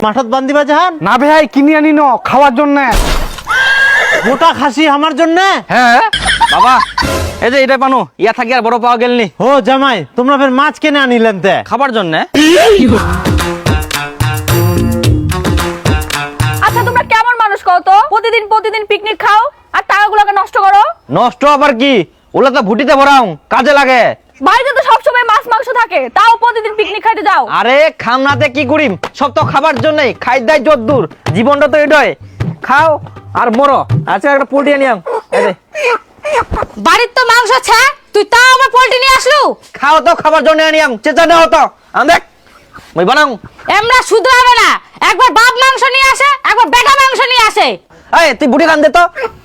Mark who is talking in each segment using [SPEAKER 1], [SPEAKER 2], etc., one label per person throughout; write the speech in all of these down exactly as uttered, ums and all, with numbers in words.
[SPEAKER 1] মাঠত বান্ধিবা জাহান
[SPEAKER 2] না ভাই কিনে আনি ন খাওয়ার জন্য।
[SPEAKER 1] গোটা খাসি আমার জন্য?
[SPEAKER 2] হ্যাঁ
[SPEAKER 3] বাবা এই যে এটা পানো ইয়া থাকি আর বড় পাওয়া গেলনি।
[SPEAKER 1] ও জামাই তোমরা ফের মাছ কেনে আনিলেন তে
[SPEAKER 3] খাবার জন্য?
[SPEAKER 4] আচ্ছা তোমরা কেমন মানুষ কও তো? প্রতিদিন প্রতিদিন পিকনিক খাও আর টাকাগুলোকে নষ্ট করো।
[SPEAKER 3] নষ্ট আবার কি, ওগুলা তো ভুটিতে ভরাও, কাজে লাগে।
[SPEAKER 4] বাড়িতে তো সবসময় মাছ মাংস থাকে, তাও প্রতিদিন পিকনিক খাইতে যাও।
[SPEAKER 3] আরে খামনাতে কি করিম, সব তো খাবার জন্যই। খাই দাই যদ্দূর, জীবনটা তো এটাই। খাও আর মরো। আচ্ছা একটা পোল্ট্রি আনিয়াম। এই যে
[SPEAKER 5] বাড়ির তো মাংস আছে, তুই তাও আমার পোল্ট্রি নিয়ে আসলু।
[SPEAKER 3] খাও তো খাবার জন্য আনিয়াম, চেঁচা নেও তো। আম দেখ মই বানাও।
[SPEAKER 5] এমরা শুধু হবে না, একবার বাপ মাংস নিয়ে আসে, একবার বেটা মাংস নিয়ে আসে।
[SPEAKER 3] এই তুই বুড়ি কান দে তো।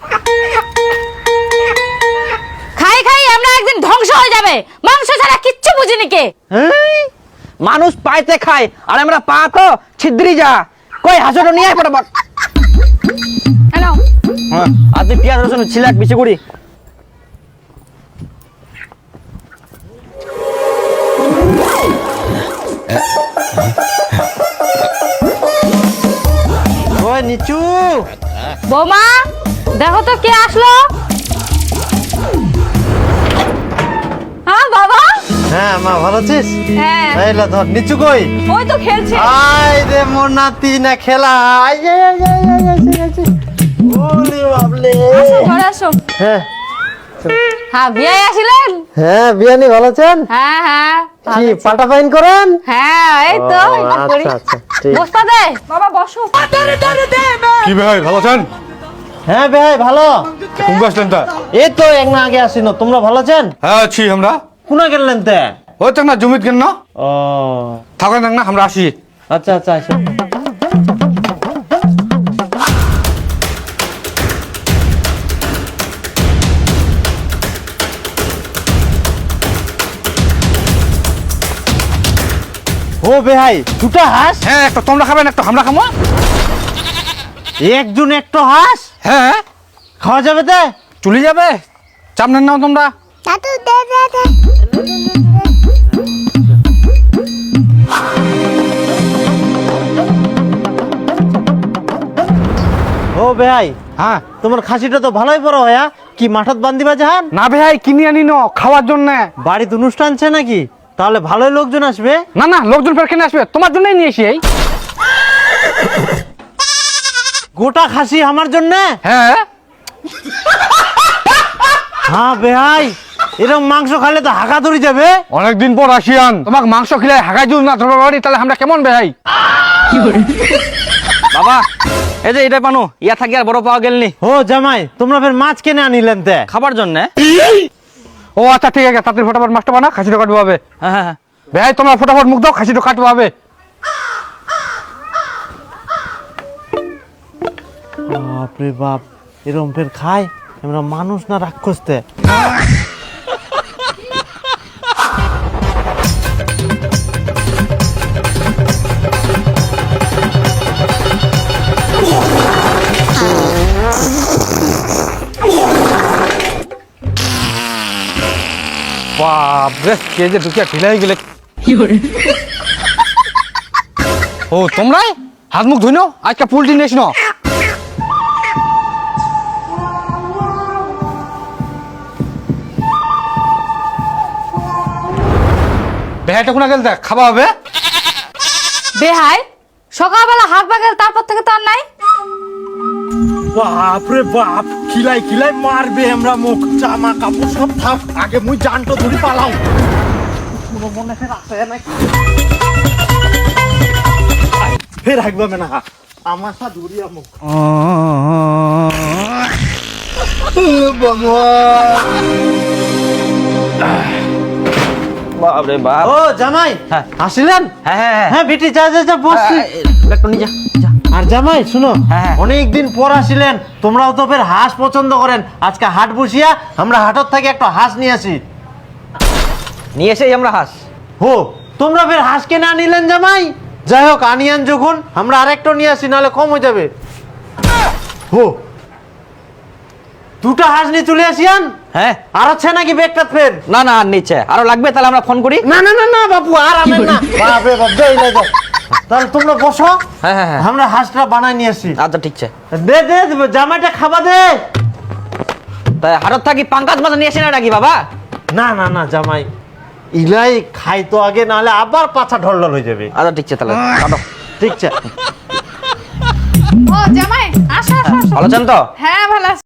[SPEAKER 5] খাই খাই আমরা একদিন ধ্বংস হয়ে যাবে, মাংস ছাড়া কিচ্ছু বুঝিনি কে।
[SPEAKER 3] এই, মানুষ পাইতে খায় আর আমরা পা তো ছিদ্রি যা। কই হাসুটো নিয়ে আয় ফটাফট।
[SPEAKER 4] নাও
[SPEAKER 3] হ্যাঁ আর তুই পেঁয়াজ রসুন ছিলাক বেশি করি।
[SPEAKER 1] ওই নিচু
[SPEAKER 5] বৌমা দেখো তো কে আসলো।
[SPEAKER 4] হ্যাঁ বাবা।
[SPEAKER 1] হ্যাঁ মা ভালো আছিস?
[SPEAKER 4] হ্যাঁ
[SPEAKER 1] এই লা ধর নিচু কই।
[SPEAKER 4] ওই তো খেলছে।
[SPEAKER 1] আয় রে মোর নাতি না খেলা। আয় আয় আয় আয় আয় আয় আয় আয়। ওলে বাবলে।
[SPEAKER 4] আসো ঘরে আসো।
[SPEAKER 1] হ্যাঁ
[SPEAKER 5] হ্যাঁ বিয়ে আসিলেন?
[SPEAKER 1] হ্যাঁ বিয়ানি ভালো আছেন?
[SPEAKER 5] হ্যাঁ হ্যাঁ
[SPEAKER 1] কি পাটা পাইন করেন?
[SPEAKER 5] হ্যাঁ এই তো
[SPEAKER 1] ও,
[SPEAKER 5] এটা করি।
[SPEAKER 1] আচ্ছা আচ্ছা ঠিক।
[SPEAKER 5] বস্তা দে
[SPEAKER 4] বাবা বসো।
[SPEAKER 2] কি ভাই ভালো আছেন?
[SPEAKER 1] হ্যাঁ ভাই ভালো।
[SPEAKER 2] কোন আসলেন তা?
[SPEAKER 1] এই তো এক না আগে আসিনো। তোমরা ভালো আছেন?
[SPEAKER 2] হ্যাঁ আছি আমরা।
[SPEAKER 1] কোনা গেলেন তে?
[SPEAKER 2] ওই তো না জমিত কেন না
[SPEAKER 1] ও
[SPEAKER 2] থাকেন না আমরা আসি।
[SPEAKER 1] আচ্ছা আচ্ছা আসো। ও বেহাই দুটা হাঁস?
[SPEAKER 2] হ্যাঁ একটা তোমরা খাবেন একটা আমরা খাবো।
[SPEAKER 1] একজন একটা হাঁস
[SPEAKER 2] হ্যাঁ
[SPEAKER 1] খাওয়া যাবে তে?
[SPEAKER 2] চলে যাবে, চাপ নেন নাও তোমরা।
[SPEAKER 1] ও বেহাই
[SPEAKER 2] হ্যাঁ
[SPEAKER 1] তোমার খাসিটা তো ভালোই বড় হয়া। কি মাঠত বান্ধিবা জাহান?
[SPEAKER 2] না ভাই কিনে আনি ন খাওয়ার জন্য।
[SPEAKER 1] বাড়িতে অনুষ্ঠান আছে নাকি? তাহলে ভালোই লোকজন আসবে।
[SPEAKER 2] না না লোকজন ফের কেন আসবে, তোমার জন্যই নিয়ে এসি। এই
[SPEAKER 1] গোটা খাসি আমার জন্য?
[SPEAKER 2] হ্যাঁ
[SPEAKER 1] হ্যাঁ বেহাই এরকম মাংস খাইলে তো হাঁকা ধরে যাবে।
[SPEAKER 2] অনেকদিন পর আসিয়ান, তোমাকে মাংস খেলে হাগাই দিও না তোমার বাড়ি, তাহলে আমরা কেমন ভাই?
[SPEAKER 3] বাবা এই যে এটা পানো ইয়া থাকি আর বড় পাওয়া গেলনি।
[SPEAKER 1] ও জামাই তোমরা ফের মাছ কেনে আনিলেন তে
[SPEAKER 3] খাবার জন্য?
[SPEAKER 2] ও আচ্ছা ঠিক আছে, তাড়াতাড়ি ফটাফট মাছটা বানা, খাসিটা কাটবো হবে।
[SPEAKER 3] হ্যাঁ হ্যাঁ হ্যাঁ।
[SPEAKER 2] ভাই তোমরা ফটাফট মুখ দাও, খাসিটা কাটবো হবে।
[SPEAKER 1] বাপরে বাপ এরকম ফের খায়? আমরা মানুষ না রাক্ষস তে?
[SPEAKER 2] বাপ রে কে যে ঢুকিয়া ঢিলাই গেলে। ও তোমরাই হাত মুখ ধুই নাও, আজকে পোল্ট্রি নিয়েছ না। বেহাইটা কোনা গেল দেখ খাওয়া হবে।
[SPEAKER 5] বেহাই সকালবেলা হাঁক বাগেল, তারপর থেকে তো আর নাই।
[SPEAKER 1] বাপরে বাপ খিলাই খিলাই মারবে আমরা মুখ জামা কাপড় সব থাক। আগে মুই জানটো ধরি পালাও। কোনো মনে ফের আসে নাকি? ফের হাঁকবা না আমার সা ধরিয়া মুখ।
[SPEAKER 3] বাপরে বাপ।
[SPEAKER 1] ও জামাই
[SPEAKER 3] হ্যাঁ।
[SPEAKER 1] আসিলেন?
[SPEAKER 3] হ্যাঁ হ্যাঁ হ্যাঁ
[SPEAKER 1] হ্যাঁ বেটি যা যা যা বসছি।
[SPEAKER 3] একটু নিয়ে যা যা।
[SPEAKER 1] আর জামাই শুনো
[SPEAKER 3] হ্যাঁ।
[SPEAKER 1] অনেকদিন পর আসিলেন, তোমরাও তো ফের হাঁস পছন্দ করেন। আজকে হাট বসিয়া আমরা হাটত থেকে একটা হাঁস নিয়ে আসি।
[SPEAKER 3] নিয়ে এসেই আমরা হাঁস।
[SPEAKER 1] হো তোমরা ফের হাঁস কেনা নিলেন জামাই? যাই হোক আনিয়ান যখন আমরা আরেকটা নিয়ে আসি, নাহলে কম হয়ে যাবে। হো দুটা হাঁস নিয়ে চলে আসিয়ান।
[SPEAKER 3] হ্যাঁ
[SPEAKER 1] আর আছে নাকি ব্যাগটা ফের?
[SPEAKER 3] না না আর নিচে আরো লাগবে, তাহলে আমরা ফোন করি।
[SPEAKER 1] না না না না বাপু আর আনেন না। বাপ রে বাপ যাই না যাই। তাহলে তোমরা বসো,
[SPEAKER 3] হ্যাঁ হ্যাঁ হ্যাঁ
[SPEAKER 1] আমরা হাঁসটা বানাই নিয়ে আসি।
[SPEAKER 3] আচ্ছা ঠিক আছে।
[SPEAKER 1] দে দে জামাইটা খাবা দে।
[SPEAKER 3] তাই হাটত থাকি পাঙ্কাজ মাছ নিয়ে আসি না নাকি বাবা?
[SPEAKER 1] না না না জামাই, ইলাই খাই তো আগে, নাহলে আবার পাছা ঢলঢল হয়ে যাবে।
[SPEAKER 3] আচ্ছা ঠিক আছে তাহলে কাটো।
[SPEAKER 1] ঠিক আছে।
[SPEAKER 5] ও জামাই আসো আসো আসো।
[SPEAKER 3] ভালো আছেন তো?
[SPEAKER 5] হ্যাঁ ভালো আছি।